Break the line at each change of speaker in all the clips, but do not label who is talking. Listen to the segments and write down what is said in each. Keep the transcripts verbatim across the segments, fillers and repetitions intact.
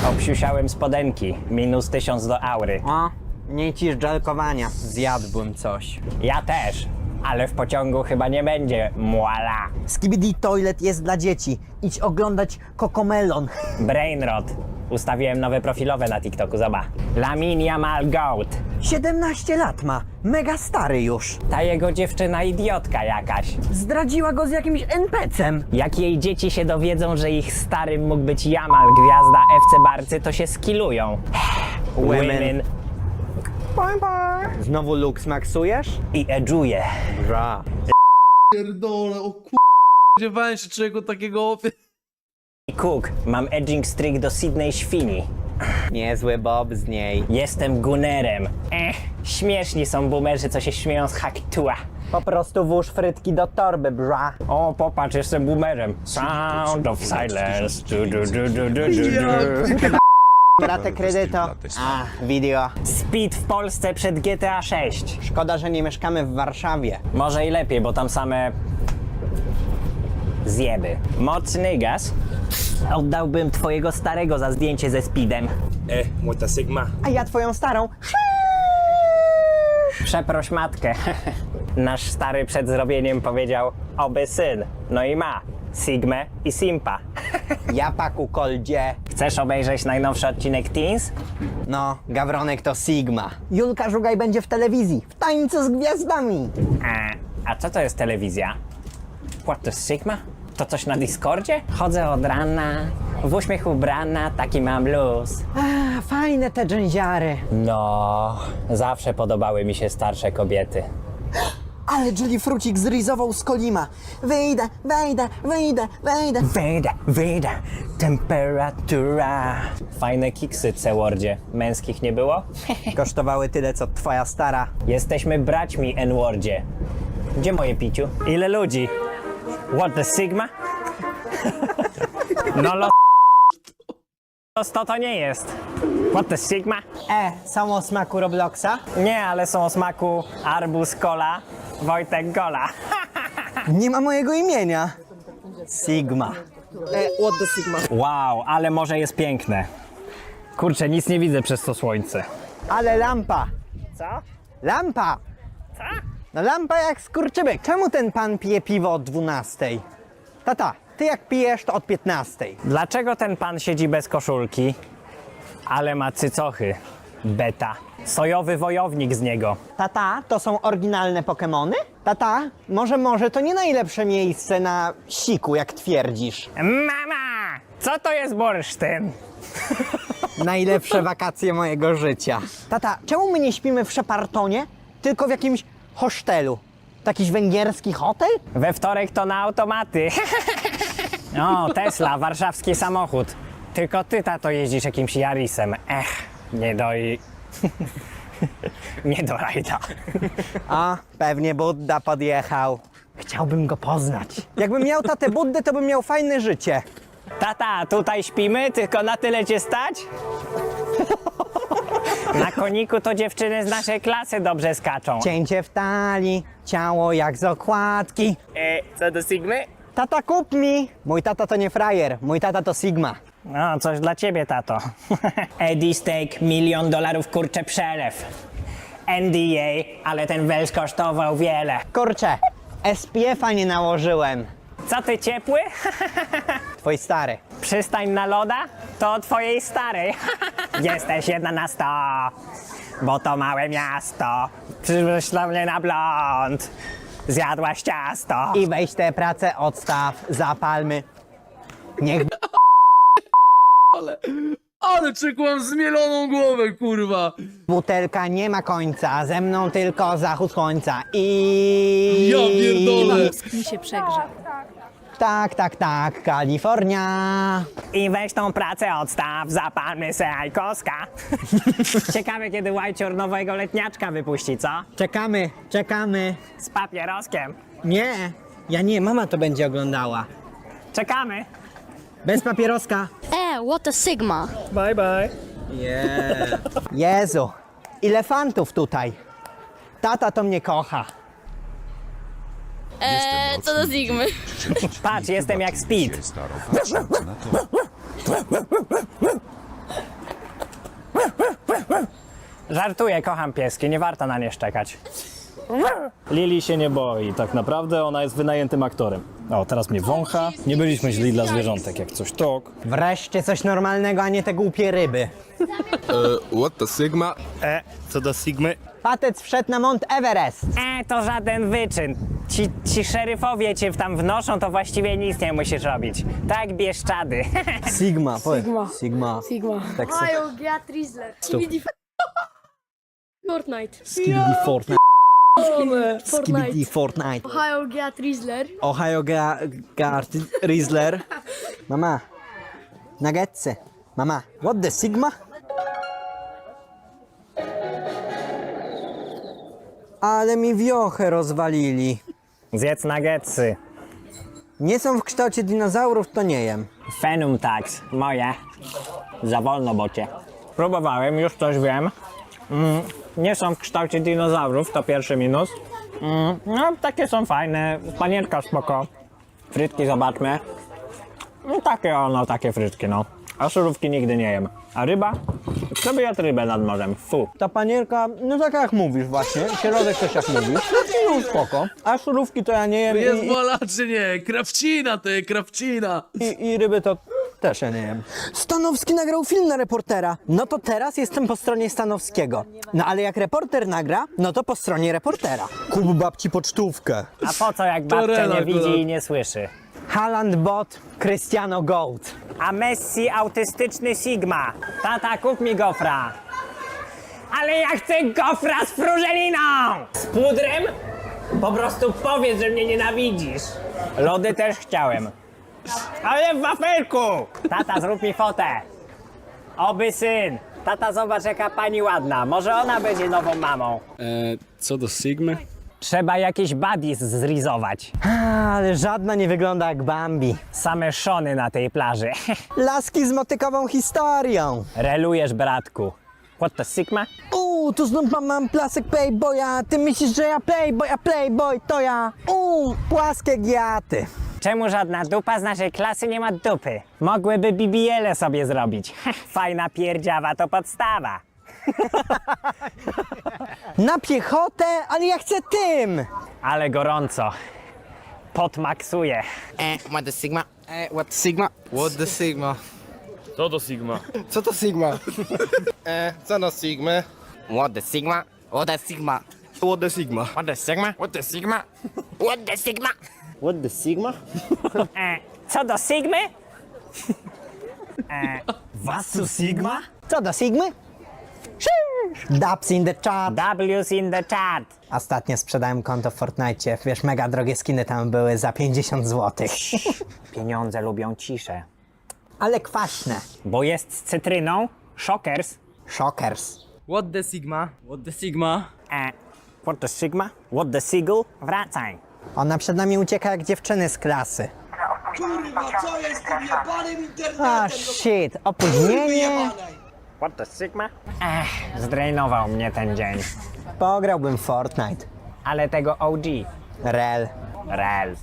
Obsiusiałem spodenki, minus tysiąc do aury.
O, nie ci żelkowania. Zjadłbym coś.
Ja też, ale w pociągu chyba nie będzie muala.
Skibidi Toilet jest dla dzieci. Idź oglądać Cocomelon.
Brainrot. Ustawiłem nowe profilowe na TikToku, zobacz. Laminia Mal Goat.
siedemnaście lat ma. Mega stary już.
Ta jego dziewczyna idiotka jakaś.
Zdradziła go z jakimś en pe cem.
Jak jej dzieci się dowiedzą, że ich starym mógł być Jamal, gwiazda ef ce Barcy, to się skillują. Women.
Znowu Lux maksujesz?
I edżuje.
Bra.
Pierdolę, o kur... Spodziewałem się czego takiego...
I Cook, mam edging streak do Sydney Świni.
Niezły Bob z niej.
Jestem gunerem. Ech, śmieszni są boomerzy, co się śmieją z Hakitua.
Po prostu włóż frytki do torby, bra.
O, popatrz, jestem boomerem. Sound of silence. Du, du, du, du, du, du, du.
Ratę kredyto. A, video.
Speed w Polsce przed G T A sześć.
Szkoda, że nie mieszkamy w Warszawie.
Może i lepiej, bo tam same zjeby. Mocny gaz. Oddałbym twojego starego za zdjęcie ze Speedem.
Eh, muerta Sigma.
A ja twoją starą.
Przeproś matkę. Nasz stary przed zrobieniem powiedział oby syn. No i ma. Sigmę i Simpa.
Ja paku koldzie.
Chcesz obejrzeć najnowszy odcinek Teens?
No, Gawronek to Sigma. Julka Żugaj będzie w telewizji. W tańcu z gwiazdami.
A, a co to jest telewizja? What to Sigma? To coś na Discordzie? Chodzę od rana, w uśmiech ubrana, taki mam luz.
A, fajne te dżęziary.
No, zawsze podobały mi się starsze kobiety.
Ale Jelly Frucik zryzował z Kolima. Wyjdę, wejdę, wyjdę, wejdę.
Wyjdę, wyjdę, temperatura. Fajne kiksy, C-Wordzie. Męskich nie było?
Kosztowały tyle, co twoja stara.
Jesteśmy braćmi, N-Wordzie. Gdzie moje piciu? Ile ludzi? What the Sigma? No lo... sto to nie jest. What the Sigma?
E, są o smaku Robloxa?
Nie, ale są o smaku arbuz cola, Wojtek Gola.
Nie ma mojego imienia. Sigma.
What the Sigma?
Wow, ale morze jest piękne. Kurczę, nic nie widzę przez to słońce.
Ale lampa.
Co?
Lampa.
Co?
No lampa jak skurczybyk. Czemu ten pan pije piwo od dwunastej? Tata, ty jak pijesz, to od piętnastej.
Dlaczego ten pan siedzi bez koszulki, ale ma cycochy? Beta. Sojowy wojownik z niego.
Tata, to są oryginalne Pokemony? Tata, może może to nie najlepsze miejsce na siku, jak twierdzisz.
Mama! Co to jest bursztyn?
Najlepsze wakacje mojego życia. Tata, czemu my nie śpimy w Szepartonie, tylko w jakimś hostelu? To jakiś węgierski hotel?
We wtorek to na automaty. O, Tesla, warszawski samochód. Tylko ty, tato, jeździsz jakimś Yarisem. Ech, nie do i... nie do rajda.
A, pewnie Budda podjechał. Chciałbym go poznać. Jakbym miał tatę Buddę, to bym miał fajne życie.
Tata, tutaj śpimy, tylko na tyle cię stać? Na koniku to dziewczyny z naszej klasy dobrze skaczą.
Cięcie w talii, ciało jak z okładki.
E, co do Sigmy?
Tata, kup mi! Mój tata to nie frajer, mój tata to Sigma.
No, coś dla ciebie, tato. Eddie Steak, milion dolarów, kurczę, przelew. N D A, ale ten wels kosztował wiele.
Kurczę, S P F-a nie nałożyłem.
Co ty, ciepły?
Twój stary.
Przystań na loda? To od twojej starej. Jesteś jedna na sto, bo to małe miasto. Przyszłaś dla mnie na blond. Zjadłaś ciasto.
I weź tę pracę, odstaw, zapalmy. Niech
Ale... Ale czek mam zmieloną głowę, kurwa!
butelka nie ma końca, ze mną tylko zachód słońca. I...
Ja pierdolę!
Mi się przegrze.
Tak, tak, tak, Kalifornia.
I weź tą pracę odstaw, zapalmy se ajkoska. Ciekawe, kiedy Łajcior nowego letniaczka wypuści, co?
Czekamy, czekamy.
Z papieroskiem.
Nie, ja nie, mama to będzie oglądała.
Czekamy.
Bez papieroska.
E, what a Sigma.
Bye, bye.
Yeah. Jezu, ile fantów tutaj. Tata to mnie kocha.
E, co do Sigmy.
Patrz, jestem jak Speed. Żartuję, kocham pieski, nie warto na nie szczekać.
Lili się nie boi, tak naprawdę ona jest wynajętym aktorem. O, teraz mnie wącha. Nie byliśmy źli dla zwierzątek, jak coś tok.
Wreszcie coś normalnego, a nie te głupie ryby.
Uh, what the Sigma?
E, co do Sigmy?
Patec wszedł na Mount Everest.
E, to żaden wyczyn. Ci, ci szeryfowie cię tam wnoszą, to właściwie nic nie musisz robić. Tak, Bieszczady.
Sigma, powiedz. Sigma.
Sigma.
Tak se-
Ohio, Geat Riesler. Skibidi Fortnite.
Skibidi Fortnite. Skibidi
Fortnite.
Fortnite.
Ohio, Geat Riesler.
Ohio Ga... Gart... Riesler. Mama. Nuggetsy. Mama. What the Sigma? Ale mi wiochę rozwalili.
Zjedz nuggetsy.
Nie są w kształcie dinozaurów, to nie jem.
Fenum tax, moje. Za wolno, bocie. Próbowałem, już coś wiem. Mm, nie są w kształcie dinozaurów, to pierwszy minus. Mm, no, takie są fajne. Panierka spoko. Frytki zobaczmy. No, takie ono, takie frytki, no. A surówki nigdy nie jem. A ryba? Kto by jadł rybę nad morzem? Fu.
Ta panierka, no tak jak mówisz właśnie, środek też jak mówisz, no spoko. A szurówki to ja nie jem
Jest
i,
wola czy nie? Krawcina ty, krawcina.
i, i ryby to też ja nie jem. Stanowski nagrał film na reportera. No to teraz jestem po stronie Stanowskiego. No ale jak reporter nagra, no to po stronie reportera. Kup babci pocztówkę.
A po co, jak babcia
Torela
nie widzi
akurat.
i nie słyszy?
Haaland bot, Cristiano Goat.
A Messi autystyczny Sigma. Tata, kup mi gofra. Ale ja chcę gofra z frużeliną! Z pudrem? Po prostu powiedz, że mnie nienawidzisz. Lody też chciałem. Ale w wafelku! Tata, zrób mi fotę. Oby syn. Tata, zobacz jaka pani ładna. Może ona będzie nową mamą.
E, co do Sigmy?
Trzeba jakieś buddies zrizować.
A, ale żadna nie wygląda jak Bambi.
Same szony na tej plaży.
Laski z motykową historią.
Relujesz, bratku. What the Sigma?
Uuu, tu znów mam, mam plasek playboya. Ty myślisz, że ja playboy, a playboy to ja. Uuu, płaskie giaty.
Czemu żadna dupa z naszej klasy nie ma dupy? Mogłyby B B L sobie zrobić. Fajna pierdziawa to podstawa.
Na piechotę, ale ja chcę tym.
Ale gorąco. Podmaksuje.
Eh, what the Sigma? Eh, what the Sigma?
What the Sigma?
Co do Sigma?
Co to Sigma? e, co no Sigma?
What the Sigma? What the Sigma?
What the Sigma?
What the Sigma? What the Sigma? What the Sigma?
What the Sigma?
E, co do Sigmy?
Was Sigma?
Co do Sigmy? Dubs in the chat.
W's in the chat.
Ostatnio sprzedałem konto w Fortnite. Wiesz, mega drogie skiny tam były za pięćdziesiąt złotych.
Pieniądze lubią ciszę.
Ale kwaśne.
Bo jest z cytryną. Shockers.
Shockers.
What the Sigma? What the Sigma?
E, what the Sigma? What the Seagull? Wracaj.
Ona przed nami ucieka jak dziewczyny z klasy. A shit, opóźnienie.
What the Sigma? Ech, zdrainował mnie ten dzień.
Pograłbym w Fortnite.
Ale tego O G.
Rel.
Rel.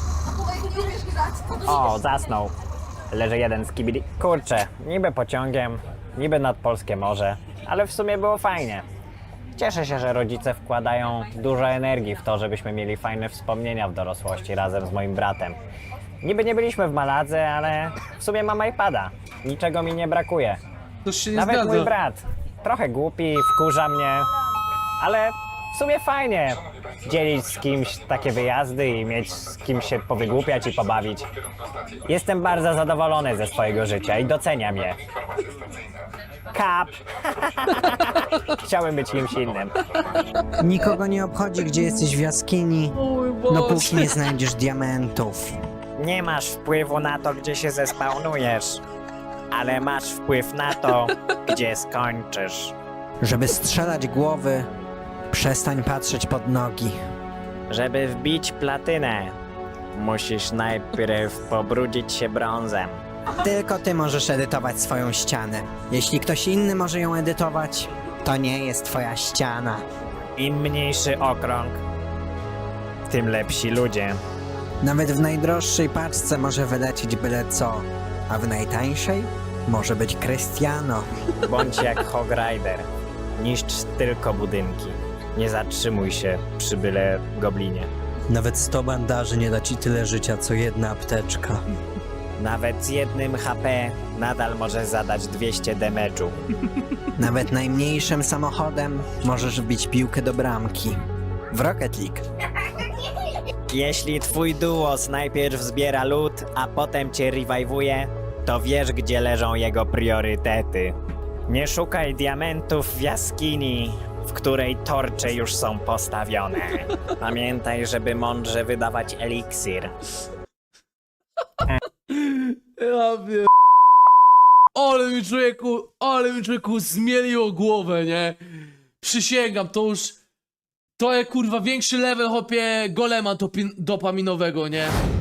O, zasnął. Leży jeden z kibili. Kurczę, niby pociągiem, niby nad polskie morze, ale w sumie było fajnie. Cieszę się, że rodzice wkładają dużo energii w to, żebyśmy mieli fajne wspomnienia w dorosłości razem z moim bratem. Niby nie byliśmy w Maladze, ale w sumie mam iPada. Niczego mi nie brakuje.
To się nie
Nawet
zgadza.
mój brat. Trochę głupi, wkurza mnie, ale w sumie fajnie dzielić z kimś takie wyjazdy i mieć z kimś się powygłupiać i pobawić. Jestem bardzo zadowolony ze swojego życia i doceniam je. Kap. Chciałem być kimś innym.
Nikogo nie obchodzi, gdzie jesteś w jaskini, dopóki nie znajdziesz diamentów.
Nie masz wpływu na to, gdzie się zespawnujesz, ale masz wpływ na to, gdzie skończysz.
Żeby strzelać głowy, przestań patrzeć pod nogi.
Żeby wbić platynę, musisz najpierw pobrudzić się brązem.
Tylko ty możesz edytować swoją ścianę. Jeśli ktoś inny może ją edytować, to nie jest twoja ściana.
Im mniejszy okrąg, tym lepsi ludzie.
Nawet w najdroższej paczce może wylecieć byle co, a w najtańszej może być Cristiano.
Bądź jak Hog Rider. Niszcz tylko budynki. Nie zatrzymuj się przy byle goblinie.
Nawet sto bandaży nie da ci tyle życia, co jedna apteczka.
Nawet z jednym H P nadal możesz zadać dwieście damage'u.
Nawet najmniejszym samochodem możesz wbić piłkę do bramki. W Rocket League.
Jeśli twój duos najpierw zbiera lód, a potem cię rewajwuje, to wiesz, gdzie leżą jego priorytety. Nie szukaj diamentów w jaskini, w której torcze już są postawione. Pamiętaj, żeby mądrze wydawać eliksir.
Ja wiem. Ale mi człowieku, ale mi człowieku zmieliło głowę, nie? Przysięgam, to już... To jest kurwa większy level, hopie, golema dopi- dopaminowego, nie?